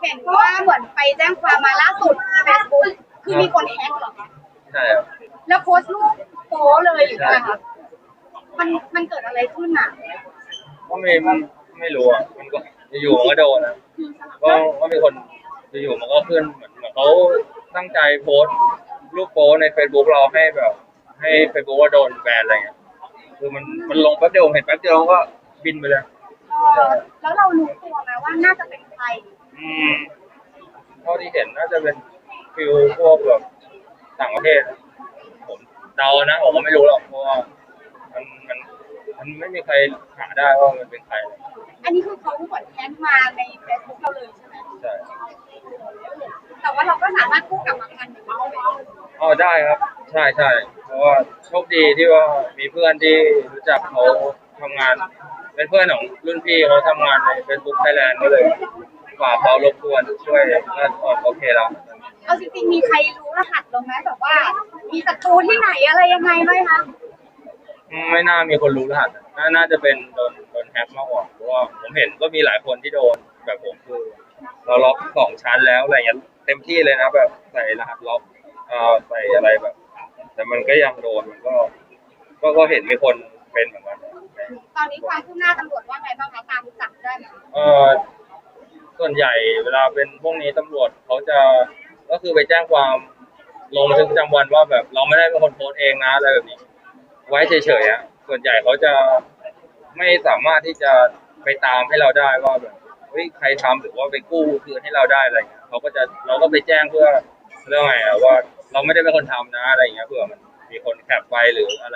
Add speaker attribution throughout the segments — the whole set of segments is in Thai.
Speaker 1: เห็นว่าเหมือนไปแจ้งความมาล่าสุด Facebook คือมีคนแฮกเหรอคะ
Speaker 2: ใช่ครับ
Speaker 1: แล้วโพสต์รูปโป๊เลยหรือไงคะมันเกิดอะไรขึ้นอ่ะ
Speaker 2: ก็ไม่รู้อ่ะมันก็อยู่มันก็โดนนะก็มีคนอยู่มันก็ขึ้นเหมือนเขาตั้งใจโพสต์รูปโป๊ใน Facebook เราให้แบบให้ Facebook ว่าโดนแบนอะไรเงี้ยคือมันลงแป๊บเดียวเห็นแป๊บเดียวก็บินไปเลย
Speaker 1: แล้วเรารู้ตัวไหมว่าน่าจะเป็นใคร
Speaker 2: เท่าที่เห็นน่าจะเป็นฟิลพวกแบบต่างประเทศผมเดานะผมก็ไม่รู้หรอกเพราะว่ามันไม่มีใครหาได้ว่ามันเป็นใคร
Speaker 1: อันนี้คือเขาเหมือนแฮกมาใน Facebook เราเลยใช่ไหม
Speaker 2: ใช่
Speaker 1: แต่ว่าเราก็สามารถกู้กลับมาทันหรือเปล่า
Speaker 2: อ๋อได้ครับใช่เพราะว่าโชคดีที่ว่ามีเพื่อนที่รู้จักเขาทำงานเป็นเพื่อนของรุ่นพี่เขาทำงานใน Facebook Thailand ก็เลยฝากเขารบกวนช่วยก็โอเคแล้ว
Speaker 1: เอาจริงๆมีใครรู้รหัสเราไหมแบบว่ามีศัตรูที่ไหนอะไรยังไงไหมคะ
Speaker 2: ไม่น่ามีคนรู้รหัสน่าจะเป็นโดนแฮกมากกว่าเพราะว่าผมเห็นก็มีหลายคนที่โดนแบบผมคือเราล็อก2 ชั้นแล้วอะไรเงี้ยเต็มที่เลยนะแบบใส่รหัสล็อกใส่อะไรแบบแต่มันก็ยังโดนมันก็เห็นมีคนเป็นเหมือนกัน
Speaker 1: ตอนนี้ความคืบหน้าตำรวจว่าไงบ้างคะตามจับได้ไหม
Speaker 2: ส่วนใหญ่เวลาเป็นพวกนี้ตำรวจเขาจะก็คือไปแจ้งความลงบันทึกประจำวันว่าแบบเราไม่ได้เป็นคนโพสเองนะอะไรแบบนี้ไว้เฉยๆอ่ะส่วนใหญ่เขาจะไม่สามารถที่จะไปตามให้เราได้ว่าแบบเฮ้ยใครทำหรือว่าไปกู้คืนให้เราได้อะไรเงี้ยเราก็ไปแจ้งเพื่อเรื่องไงอ่ะว่าเราไม่ได้เป็นคนทำนะอะไรเงี้ยเผื่อมันมีคนแคปไปหรืออะไร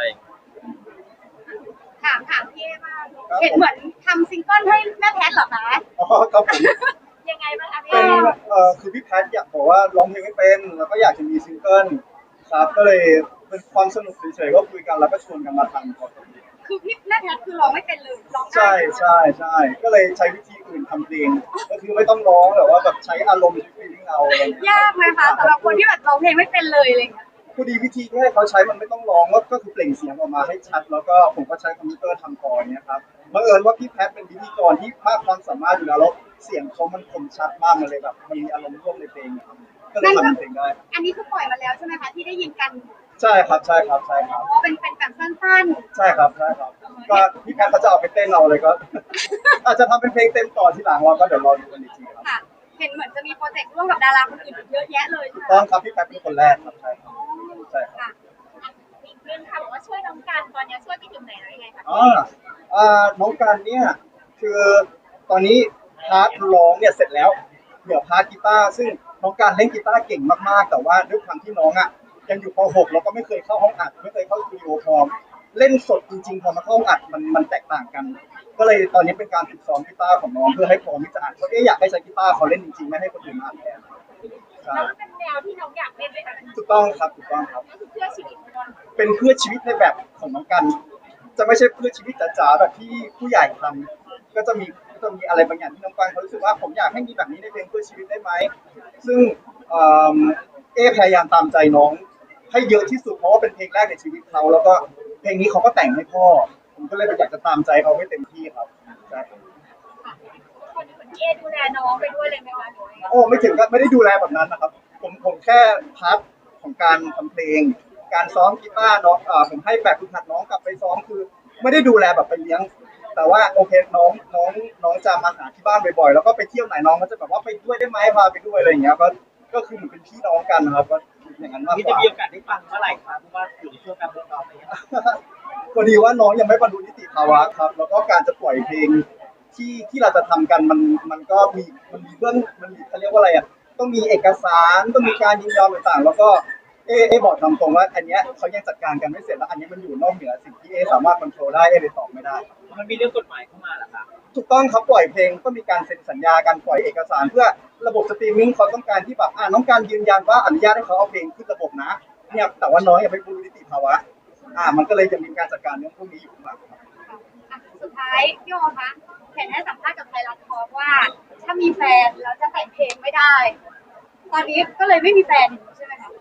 Speaker 1: ถามพี่มากเห็นเหมือนทำซิงเกิลให้แม่แพทเหรอคะ
Speaker 3: อ๋อครับผม
Speaker 1: ยังไงบ้างคะพี่
Speaker 3: เป็นคือพี่แพทอยากบอกว่าร้องเพลงไม่เป็นแล้วก็อยากจะมีซิงเกิลครับก็เลยเป็นความสนุกเฉยๆก็คุยกันแล้วก็ชวนกันมาทำครับ
Speaker 1: คือพี่แม่แพทคือร้องไม่เป็นเลยร้องได้
Speaker 3: ใช่ก็เลยใช้วิธีอื่นทำเพลงก็คือไม่ต้องร้องแต่ว่าแบบใช้อารมณ์ฟีลลิ่งเอา
Speaker 1: ยากไหมคะสำหรับคนที่แบบร้องเพลงไม่เป็นเลยอะไรเงี้ย
Speaker 3: พอดีวิธีที่ให้เขาใช้มันไม่ต้องร้องก็คือเปล่งเสียงออกมาให้ชัดแล้วก็ผมก็ใช้คอมพิวเตอร์ทำก่อนเนี่ยครับบังเอิญว่าพี่แพทเป็นพิธีกรที่มากความสามารถอยู่แล้วแล้วเสียงเขามันคมชัดมากมันเลยแบบมันมีอารมณ์ร่วมในเพลงก็เลยทำเพลงได้
Speaker 1: อันนี้คือปล่อยมาแล้วใช่ไหมคะที่ได้ยินกัน
Speaker 3: ใช่ครับ
Speaker 1: เป็นแบบสั้น
Speaker 3: ๆใช่ครับก็พี่แพทเขาจะเอาไปเต้นเราเลยก็อาจจะทำเป็นเพลงเต็มต่อที่หลังเราก็เดี๋ยวรอดูกันอีกทีครับ
Speaker 1: เห็นเหมือนจะมีโปรเจกต์ร่วมกับดาราคนอื่นเยอะแยะเลย
Speaker 3: ต้องครับพี่แพทเป็นคนแรกครับใช่ครับ
Speaker 1: อีกเรื่องค่ะบอกว่าช่วยน้องการตอนนี้ช่วยไปถึงไหนแล้วยังไงคะ
Speaker 3: น้องการเนี่ยคือตอนนี้พาร์ทร้องเนี่ยเสร็จแล้วเดี๋ยวพาร์ทกีตาร์ซึ่งน้องการเล่นกีตาร์เก่งมากๆแต่ว่าด้วยความที่น้องยังอยู่ป .6 แล้วก็ไม่เคยเข้าห้องอัดไม่เคยเข้าสตูดิโอพร้อมเล่นสดจริงๆพอมาเข้าห้องอัดมันแตกต่างกันก็เลยตอนนี้เป็นการฝึกซ้อมกีตาร์ของน้องเพื่อให้พร้อมที่จะอัดเพราะอยากให้ใช้กีตาร์เขาเล่นจริงๆไม่ให้คนอื่นอัดแทน
Speaker 1: แล้วเป็นแนวที่น้องอยากเล่นไหมคะ
Speaker 3: ถูกต้องครับ
Speaker 1: ก็คือเพื่อชีวิต
Speaker 3: เป็นเพื่อชีวิตในแบบของน้องกันจะไม่ใช่เพื่อชีวิตจ๋าๆแบบที่ผู้ใหญ่ทำก็จะมีอะไรบางอย่างที่น้องกันเขารู้สึกว่าผมอยากให้มีแบบนี้ในเพลงเพื่อชีวิตได้ไหมซึ่งพยายามตามใจน้องให้เยอะที่สุดเพราะว่าเป็นเพลงแรกในชีวิตเขาแล้วก็เพลงนี้เขาก็แต่งให้พ่อผมก็เลยอยากจะตามใจเขาให้เต็มที่ครับใช่
Speaker 1: คนเหมือนดูแลน้องไปด้วยเลยไหมคะ
Speaker 3: โอ้ไม่ถึงก็ไม่ได้ดูแลแบบนั้นนะครับผมแค่พาร์ทของการทำเพลงการซ้อมกีตาร์น้องผมให้แบบฝึกหัดน้องกลับไปซ้อมคือไม่ได้ดูแลแบบไปเลี้ยงแต่ว่าโอเคน้องจะมาหาที่บ้านบ่อยๆแล้วก็ไปเที่ยวไหนน้องก็จะแบบว่าไปด้วยได้ไหมพาไปด้วยอะไรอย่างเงี้ยก็คือเหมือนเป็นพี่น้องกันนะครับก็อย่างนั้นมากกว่า
Speaker 4: จะมีโอกาสได้ฟังเมื่อไหร่ครับเพราะว่าอยู่ในช่วงการทดสอบอะไรอย่างเงี้ย
Speaker 3: พอดีว่าน้องยังไม่บรรลุนิติภาวะครับแล้วก็การจะปล่อยเพลงที่เราจะทำกันมันก็มีเขาเรียกว่าอะไรต้องมีเอกสารต้องมีการยินยอมต่างๆแล้วก็บอกตามตรงว่าอันเนี้ยเขายังจัดการกันไม่เสร็จแล้วอันนี้มันอยู่นอกเหนือสิ่งที่สามารถควบคุมได้เลยตอบไม่ได้
Speaker 4: มันมีเรื่องกฎหมายเข้ามาเหรอครับ
Speaker 3: ถูกต้องครับปล่อยเพลงก็มีการเซ็นสัญญาการปล่อยเอกสารเพื่อระบบสตรีมมิ่งเขาต้องการที่แบบน้องการยืนยันว่าอนุญาตให้เขาเอาเพลงขึ้นระบบนะเนี่ยแต่ว่าน้องยังไม่บรรลุนิติภาวะมันก็เลยจะมีการจัดการเรื่องพวกนี้อยู่ครับ
Speaker 1: สุดท้ายพี่โอคะเห็นให้สัมภาษณ์กับไทยรัฐทอล์กว่าถ้ามีแฟนแล้วจะแต่งเพลงไม่ได้ตอนนี้ก็เลยไม่มีแฟนใช่ไหมคะ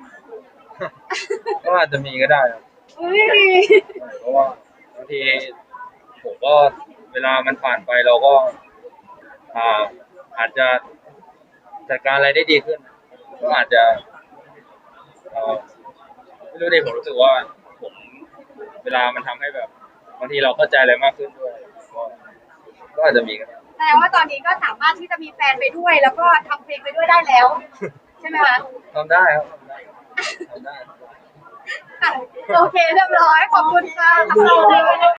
Speaker 2: ก็อาจจะมีก็ได้ครับเพราะว่าบางทีผมก็เวลามันผ่านไปเราก็อาจจะจัดการอะไรได้ดีขึ้น ก็อาจจะไม่รู้ดิผมรู้สึกว่าผมเวลามันทำให้แบบบางทีเราเข้าใจอะไรมากขึ้นด้วยก็อาจจะมีก็ได้
Speaker 1: แสดงว่าตอนนี้ก็สามารถที่จะมีแฟนไปด้วย แล้วก็ทำเพลงไปด้วยได้แล้ว ใช่ไหมคะ
Speaker 2: ทำได้ครับทำได้
Speaker 1: โอเคเรียบร้อยขอบคุณค่ะ